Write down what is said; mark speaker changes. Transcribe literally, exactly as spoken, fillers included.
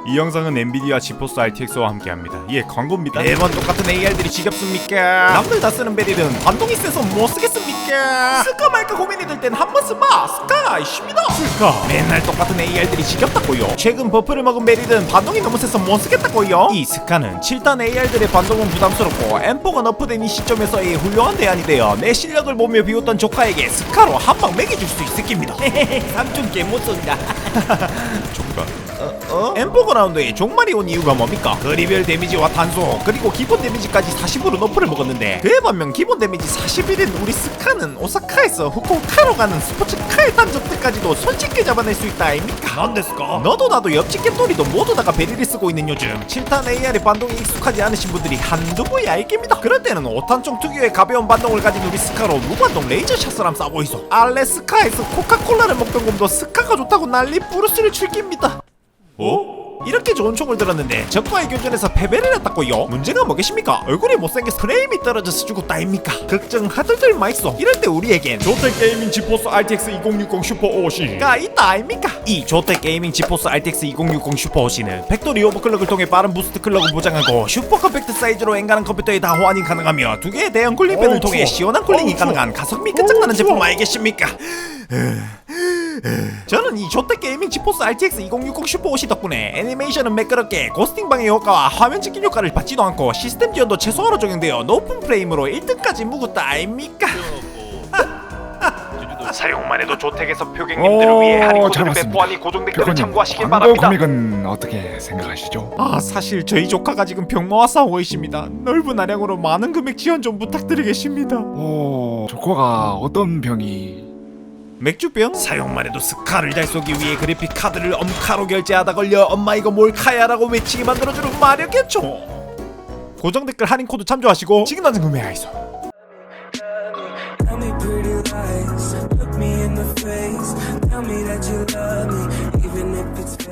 Speaker 1: 이 영상은 엔비디아 지포스 알티엑스와 함께합니다. 예, 광고입니다. 매번 똑같은 에이알들이 지겹습니까? 남들 다 쓰는 베릴은 반동이 세서 못 쓰겠습니까? 쓸까 말까 고민이 들 땐 한 번 써봐. 스카 쉽니다. 스카 맨날 똑같은 에이알들이 지겹다고요. 최근 버프를 먹은 베릴은 반동이 너무 세서 못 쓰겠다고요. 이 스카는 칠 단 에이알들의 반동은 부담스럽고 엠포가 너프된 이 시점에서의 훌륭한 대안이 되어 내 실력을 보며 비웃던 조카에게 스카로 한 방 매겨줄 수 있을 깁니다. 삼촌 개못 쏜다. 조카 어? 어? 엠포 그라운드에 종말이 온 이유가 뭡니까? 거리별 데미지와 탄소 그리고 기본 데미지까지 사십으로 너프를 먹었는데 그에 반면 기본 데미지 사십일인 우리 스카는 오사카에서 후쿠오카로 가는 스포츠카의 단적들까지도 손쉽게 잡아낼 수 있다 아닙니까? 난데스까? 너도 나도 옆집 겜돌이도 모두 다가 베리를 쓰고 있는 요즘 칠 탄 에이알의 반동에 익숙하지 않으신 분들이 한두 분이 알깁니다. 그럴 때는 오 탄총 특유의 가벼운 반동을 가진 우리 스카로 무반동 레이저샷을 함 쏴 보이소. 알레 스카에서 코카콜라를 먹던 곰도 스카가 좋다고 난리 부르스를 출깁니다. 어? 이렇게 좋은 총을 들었는데 적과의 교전에서 패배를 했다고요? 문제가 뭐겠습니까? 얼굴이 못생겨서 프레임이 떨어져서 죽었다입니까? 걱정하들들 마있어. 이럴 때 우리에겐 조텍게이밍 지포스 알티엑스 이공육공 슈퍼 오씨가 있다 아닙니까? 이 조텍게이밍 지포스 알티엑스 이공육공 슈퍼 오씨는 팩토리 오버클럭을 통해 빠른 부스트 클럭을 보장하고 슈퍼 컴팩트 사이즈로 엔간한 컴퓨터에 다 호환이 가능하며 두 개의 대형 쿨링팬을 통해 시원한 쿨링이 가능한 가성비 끝장나는 제품 알겠습니까? 저는 이 조텍 게이밍 지포스 알티엑스 이공육공 슈퍼 오씨 덕분에 애니메이션은 매끄럽게 고스팅 방해 효과와 화면 찍힌 효과를 받지도 않고 시스템 지원도 최소화로 적용되어 높은 프레임으로 일 등까지 묵었다 아닙니까? 사용만 해도 조텍에서 표객님들을 위해 할인 코드를 배포하니 고정 댓글을 참고하시길 바랍니다.
Speaker 2: 광고 금액은 어떻게 생각하시죠?
Speaker 1: 아 사실 저희 조카가 지금 병마와 싸우고 있습니다. 넓은 아량으로 많은 금액 지원 좀 부탁드리겠습니다.
Speaker 2: 오, 조커가 어떤 병이...
Speaker 1: 맥주병? 사용만 해도 스카를 잘 쏘기 위해 그래픽 카드를 엄카로 결제하다 걸려 엄마 이거 몰카야라고 외치게 만들어주는 마력겠죠. 고정 댓글 할인 코드 참조하시고 지금 당장 구매하이소. Tell me pretty lies, look me in the face, tell me that you love me, even if it's